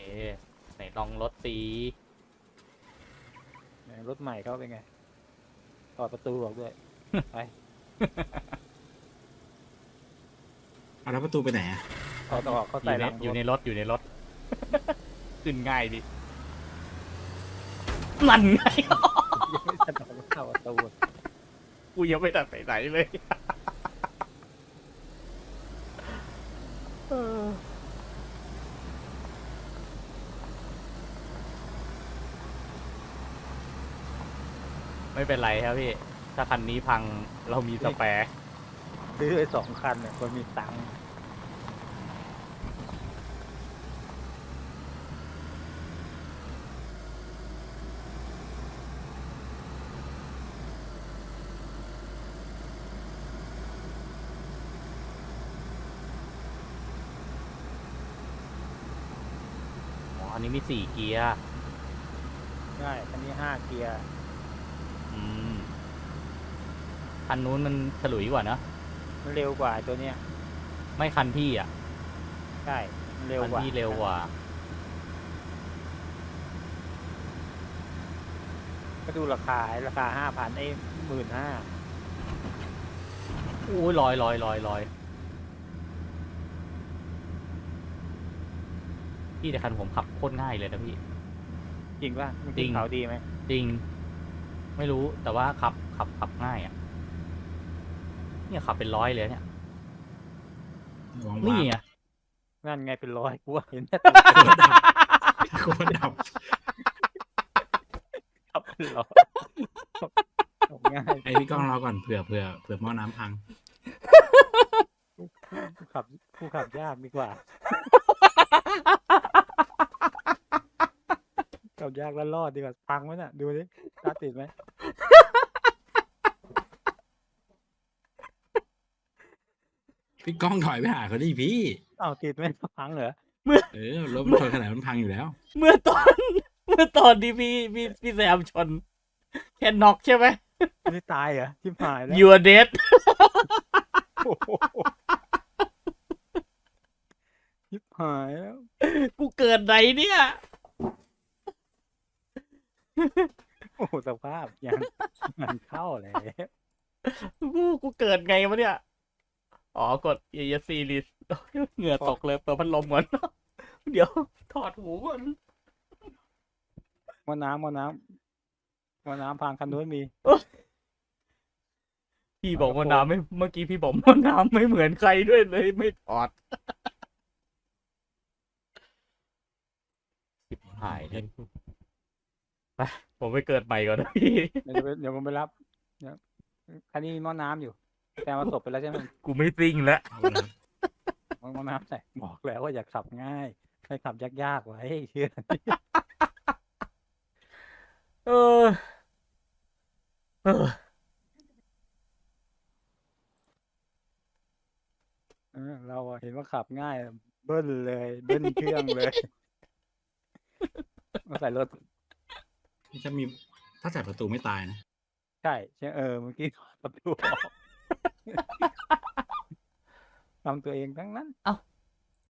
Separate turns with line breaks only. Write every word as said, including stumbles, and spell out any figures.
ไหนลองรถตี
รถใหม่เขาเป็นไงถอดประตูออกด้วย ไป
เอาแล้วประตูไปไหนอ่ะ
ถอดออกเขา
อ
ใส่
ยู่
ห
ใน
ลัง
อยู่ใน
รถ
รถอยู่ในรถ ขึ้นง่ายดินั่นไง
ไม่สะดอกเข้าประตู
กูยังไม่ตัดไปไหนเลย เออไม่เป็นไรครับพี่ ถ้าคันนี้พังเรามีสแปร์
ซื้อไอ้สองคันเนี่ยคนมีตังค์
อ๋ออันนี้มีสี่เกียร์
ได้คันนี้ห้าเกียร์
อืมคันนู้นมันฉลุยกว่านะ
มันเร็วกว่าตัวเนี้ย
ไม่คันพี่อ่ะ
ใช่มันเร็ว
คัน
กว่า
พี่เร็วกว่า
ก็ดูราคาราคาห้าพันไอ้หมื่นห้า
โอ้ยลอยลอยลอยลอยพี่แต่คันผมขับโคตรง่ายเลยนะพี่
จริงป่ะมัน
จริ
ขึ้น
ง
เขาดีไหม
จริง ไม่รู้แต่ว่าขับขับขับง่ายอ่ะ เนี่ยขับเป็นร้อยเลยเนี่ย
วาง
นี่
วาง
ไง
นั่นไงเป็นร้อยกูว่าเห็นแต่
โคตรดับ
ขับเป็นร้อยขับง่าย
ไอพี่ก้องรอก่อนเผื่อเผื่อเผื่อหม้อน้ำพัง
ผู้ขับผู้ขับยากดีกว่าขับยากแล้วรอดดีกว่าพังไหมน่ะดูดิตาติดไหม
พี่ก้องถอยไปหาเขาดิพี่
อ้าวติดไหมพังเหรอ
เออรถมันชนขนาดมันพังอยู่แล้ว
เมื่อตอน เมื่อตอนที่พี่พี่พี่แซมชนแค่น็อกใช่ไหม
ไม่ตายเหรอทิมหายแล้ว
you are dead
โอ้โหทิมหายแล้ว
กูเกิดไหนเนี่ย
โอ้โหสภาพยังมันเข้าเลย
กูกูเกิดไงวะเนี่ย อ๋อกด e s c list เหงื่อตกเลยเปิดพัดลมก่อน เดี๋ยวถอดหูก่อน
มอน้ำมอน้ำมอน้ำพังคันนู้นมี
พี่บอกว่าน้ำไม่เมื่อกี้พี่บอกว่าน้ำไม่เหมือนใครด้วยเลยไม่ถอดสิบหายเลยไปผมไปเกิดใหม่ก่อนนะพี่
เดี๋ยวจะไปเดี๋ยวผมไปรับเดี๋ยวคันนี้มีหม้อน้ำอยู่ แต่มาศพไปแล้วใช่ไหม
กูไม่ซิ่งแล้ว
เอาละ
หม้อน้ำใส่บอกแล้วว่าอยากขับง่ายให้ขับยากๆไว้เชื่อ
เออ เออ
เออเราอะเห็นว่าขับง่ายเบิ้ลเลยเบิ้ลเครื่องเลยมาใส่รถ
นี่ถ้ามีถ้าใส่ประตูไม่ตายนะ
ใช่ใช่เออเมื่อกี้ประตูออกทำตัวเองทั้งนั้น
เอ้า